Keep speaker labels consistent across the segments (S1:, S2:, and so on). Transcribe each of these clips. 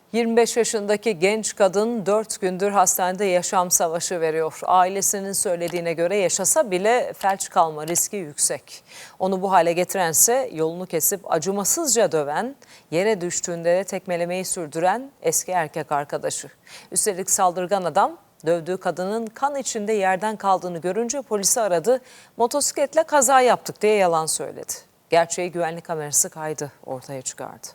S1: 25 yaşındaki genç kadın 4 gündür hastanede yaşam savaşı veriyor. Ailesinin söylediğine göre yaşasa bile felç kalma riski yüksek. Onu bu hale getirense yolunu kesip acımasızca döven, yere düştüğünde de tekmelemeyi sürdüren eski erkek arkadaşı. Üstelik saldırgan adam dövdüğü kadının kan içinde yerden kaldığını görünce polisi aradı. Motosikletle kaza yaptık diye yalan söyledi. Gerçeği güvenlik kamerası kaydı ortaya çıkardı.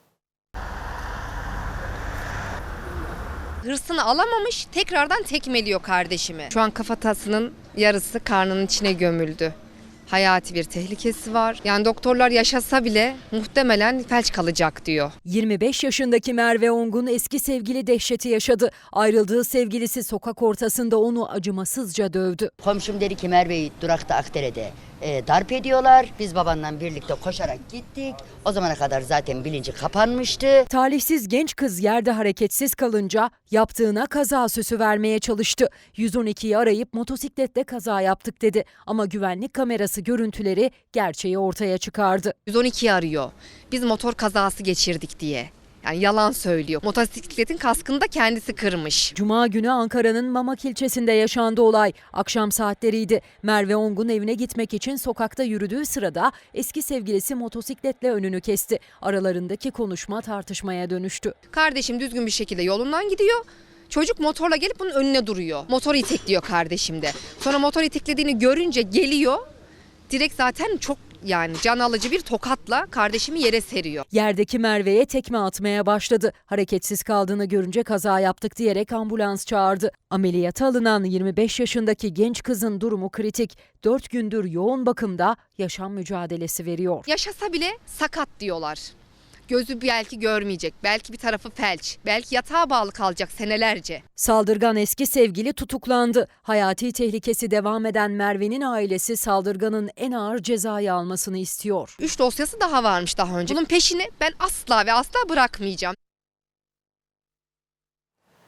S2: Hırsını alamamış, tekrardan tekmeliyor kardeşimi. Şu an kafatasının yarısı karnının içine gömüldü. Hayati bir tehlikesi var. Yani doktorlar yaşasa bile muhtemelen felç kalacak diyor.
S3: 25 yaşındaki Merve Ongun eski sevgili dehşeti yaşadı. Ayrıldığı sevgilisi sokak ortasında onu acımasızca dövdü.
S4: Komşum dedi ki Merve'yi durakta Akdere'de darp ediyorlar. Biz babanla birlikte koşarak gittik. O zamana kadar zaten bilinci kapanmıştı.
S3: Talihsiz genç kız yerde hareketsiz kalınca yaptığına kaza süsü vermeye çalıştı. 112'yi arayıp motosikletle kaza yaptık dedi. Ama güvenlik kamerası görüntüleri gerçeği ortaya çıkardı.
S2: 112'yi arıyor. Biz motor kazası geçirdik diye. Yani yalan söylüyor. Motosikletin kaskını da kendisi kırmış.
S3: Cuma günü Ankara'nın Mamak ilçesinde yaşandı olay. Akşam saatleriydi. Merve Ongun evine gitmek için sokakta yürüdüğü sırada eski sevgilisi motosikletle önünü kesti. Aralarındaki konuşma tartışmaya dönüştü.
S2: Kardeşim düzgün bir şekilde yolundan gidiyor. Çocuk motorla gelip bunun önüne duruyor. Motoru itekliyor kardeşim de. Sonra motor iteklediğini görünce geliyor. Direkt zaten çok can alıcı bir tokatla kardeşimi yere seriyor.
S3: Yerdeki Merve'ye tekme atmaya başladı. Hareketsiz kaldığını görünce kaza yaptık diyerek ambulans çağırdı. Ameliyata alınan 25 yaşındaki genç kızın durumu kritik. 4 gündür yoğun bakımda yaşam mücadelesi veriyor.
S2: Yaşasa bile sakat diyorlar. Gözü belki görmeyecek, belki bir tarafı felç, belki yatağa bağlı kalacak senelerce.
S3: Saldırgan eski sevgili tutuklandı. Hayati tehlikesi devam eden Merve'nin ailesi saldırganın en ağır cezayı almasını istiyor.
S2: 3 dosyası daha varmış daha önce. Bunun peşini ben asla ve asla bırakmayacağım.